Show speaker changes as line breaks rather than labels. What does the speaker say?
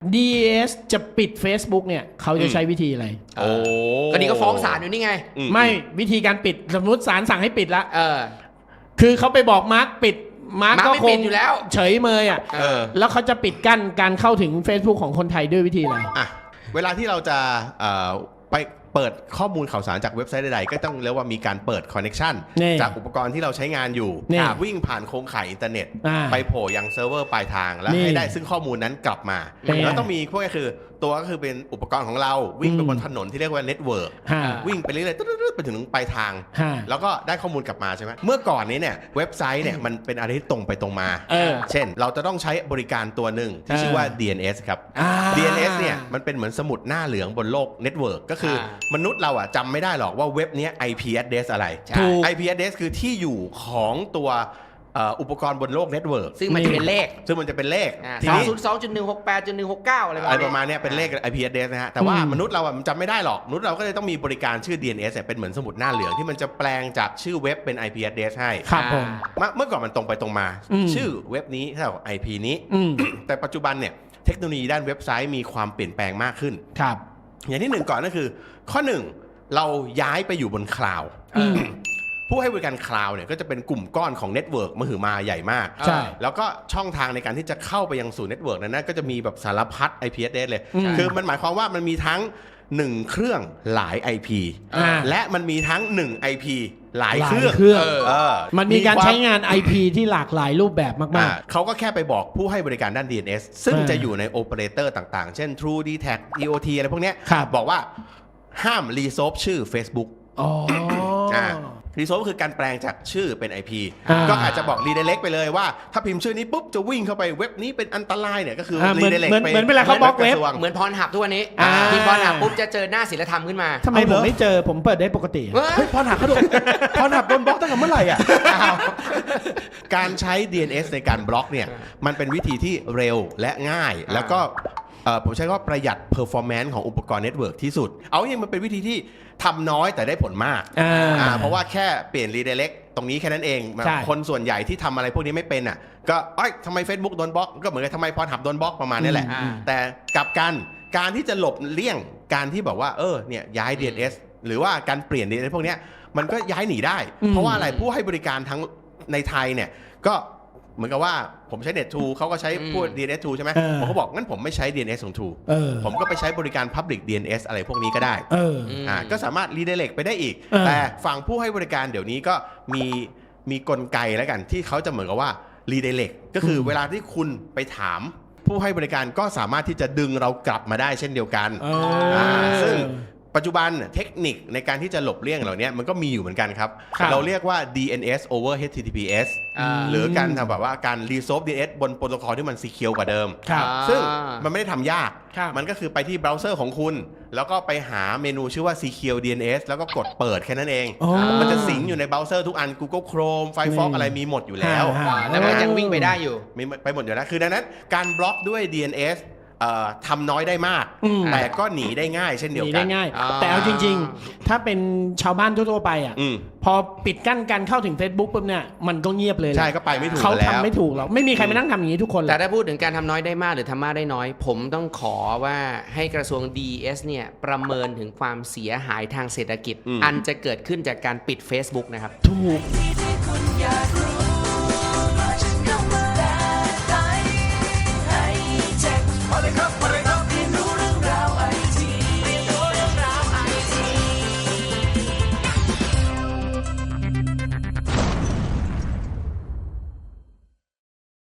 DNS จะปิด Facebook เนี่ยเขาจะใช้วิธีอะไร
ก็นี่ก็ฟ้องศาลอยู่นี่ไง
ไม่วิธีการปิดสมมติศาลสั่งให้ปิดละคือเขาไปบอกมาร์คปิดมาร์คก็คง
อยู่แล้ว
เฉยเมยแล้วเขาจะปิดกั้นการเข้าถึง Facebook ของคนไทยด้วยวิธีอะไร
เวลาที่เราจะไปเปิดข้อมูลข่าวสารจากเว็บไซต์ใดๆก็ต้องเรียกว่ามีการเปิดคอนเนคชันจากอุปกรณ์ที่เราใช้งานอยู่วิ่งผ่านโครงข่ายอินเทอร์เน็ตไปโผล่ยังเซิร์ฟเวอร์ปลายทางแล้วให้ได้ซึ่งข้อมูลนั้นกลับมาแล้วต้องมีพวกนี้คือตัวก็คือเป็นอุปกรณ์ของเราวิ่งไปบนถนนที่เรียกว่าเน็ตเวิร์กวิ่งไปเรื่อยๆไปถึงปลายทางแล้วก็ได้ข้อมูลกลับมาใช่ไหมเมื่อก่อนนี้เนี่ยเว็บไซต์เนี่ยมันเป็นอะไรที่ตรงไปตรงมาเช่นเราจะต้องใช้บริการตัวหนึ่งที่ชื่อว่า DNS ครับ DNS เนี่ยมันเป็นเหมือนสมุดหน้าเหลืองบนโลกเน็ตเวิร์กก็คือมนุษย์เราจำไม่ได้หรอกว่าเว็บนี้ IP address อะไร IP address คือที่อยู่ของตัวอุปกรณ์บนโลกเน็ตเวิร์ก
ซึ่งมันจะเป็นเลข
ทีนี้
202.168.169 อะไร
ประมาณนี้เป็นเลข IP address นะฮะแต่ว่ามนุษย์เรามันจำไม่ได้หรอกมนุษย์เราก็เลยต้องมีบริการชื่อ DNS เป็นเหมือนสมุดหน้าเหลืองที่มันจะแปลงจากชื่อเว็บเป็น IP address ให้
ครับผม
เมื่อก่อนมันตรงไปตรงมาชื่อเว็บนี้เท่ากับ IP นี้แต่ปัจจุบันเนี่ยเทคโนโลยีด้านเว็บไซต์มีความเปลี่ยนแปลงมากขึ้น
ครับ
อย่างที่1ก่อนก็คือข้อ1เราย้ายไปอยู่บนคลาวด์ผู้ให้บริการคลาวด์เนี่ยก็จะเป็นกลุ่มก้อนของเน็ตเวิร์กมหึมาใหญ่มาก
ใช่
แล้วก็ช่องทางในการที่จะเข้าไปยังสู่เน็ตเวิร์กนั้นก็จะมีแบบสารพัด IP address เลยคือมันหมายความว่ามันมีทั้ง1เครื่องหลาย IP และมันมีทั้ง1 IP หลายเครื่อง
มันมีการใช้งาน IP ที่หลากหลายรูปแบบมาก
ๆเขาก็แค่ไปบอกผู้ให้บริการด้าน DNS ซึ่งจะอยู่ในโอเปอเรเตอร์ต่างๆเช่น True Dtac EOT อะไรพวกนี้บอกว่าห้ามรีโซฟชื่อ Facebookรีโซฟคือการแปลงจากชื่อเป็น IP ก็อาจจะบอกรีเดเล็กไปเลยว่าถ้าพิมพ์ชื่อนี้ปุ๊บจะวิ่งเข้าไปเว็บนี้เป็นอันตรายเนี่ยก็คือรีเดเล็กไป
เหมือนเวลาเขาบล็อกเว็บ
เหมือนพรหับทุกวันนี้พิมพ์พรหับปุ๊บจะเจอหน้าศิลธรรมขึ้นมา
ทำไมผมไม่เจอผมเปิดได้ปกติ
พรหับเขาโดนพรหับโดนบล็อกตั้งแต่เมื่อไหร่การใช้ DNS ในการบล็อกเนี่ยมันเป็นวิธีที่เร็วและง่ายแล้วก็ผมใช้ว่าประหยัด performance ของอุปกรณ์เน็ตเวิร์กที่สุดเอาจริงมันเป็นวิธีที่ทำน้อยแต่ได้ผลมากเพราะว่าแค่เปลี่ยน redirect ตรงนี้แค่นั้นเองคนส่วนใหญ่ที่ทำอะไรพวกนี้ไม่เป็นก็ทำไม Facebook โดนบล็อกก็เหมือนกับทำไมพรหับโดนบล็อกประมาณนี้แหละแต่กลับกันการที่จะหลบเลี่ยงการที่บอกว่าเนี่ยย้าย DNS หรือว่าการเปลี่ยน DNS พวกนี้มันก็ย้ายหนีได้เพราะว่าอะไรผู้ให้บริการทั้งในไทยเนี่ยก็เหมือนกับว่าผมใช้ Net2 เขาก็ใช้พวก DNS2 ใช่ไหมผมก็บอกงั้นผมไม่ใช้ DNS ของ 2 ผมก็ไปใช้บริการ Public DNS อะไรพวกนี้ก็ได้ก็สามารถ redirect ไปได้อีกแต่ฝั่งผู้ให้บริการเดี๋ยวนี้ก็มีกลไกแล้วกันที่เขาจะเหมือนกับว่า redirect ก็คือเวลาที่คุณไปถามผู้ให้บริการก็สามารถที่จะดึงเรากลับมาได้เช่นเดียวกันซึ่งปัจจุบันเทคนิคในการที่จะหลบเลี่ยงเหล่านี้มันก็มีอยู่เหมือนกันครับเราเรียกว่า DNS over HTTPS หรือการทำแบบว่าการ resolve DNS บนโปรโตคอลที่มัน secure กว่าเดิมซึ่งมันไม่ได้ทำยากมันก็คือไปที่เบราว์เซอร์ของคุณแล้วก็ไปหาเมนูชื่อว่า secure DNS แล้วก็กดเปิดแค่นั้นเองมันจะสิงอยู่ในเบราว์เซอร์ทุกอัน Google Chrome Firefox อะไรมีหมดอยู่แล้ว
แล้วมันยังวิ่งไปได้อยู่
มีไปหมดอยู่แล้วคือดังนั้นการบล็อกด้วย DNSทำน้อยได้มากแต่ก็หนีได้ง่ายเช่นเดียวกัน
แต่เอาจริงๆถ้าเป็นชาวบ้านทั่วๆไปพอปิดกั้นการเข้าถึง Facebook ปุ๊บเนี่ยมันก็เงียบเลย
ใช่ก็ไปไม่ถูก
เขาทำไม่ถูกหรอกไม่มีใครมานั่งทำอย่างนี้ทุกคน
แต่ถ้าพูดถึงการทำน้อยได้มากหรือทำมากได้น้อยผมต้องขอว่าให้กระทรวง DS เนี่ยประเมินถึงความเสียหายทางเศรษฐกิจอันจะเกิดขึ้นจากการปิด Facebook นะครับ
ถูก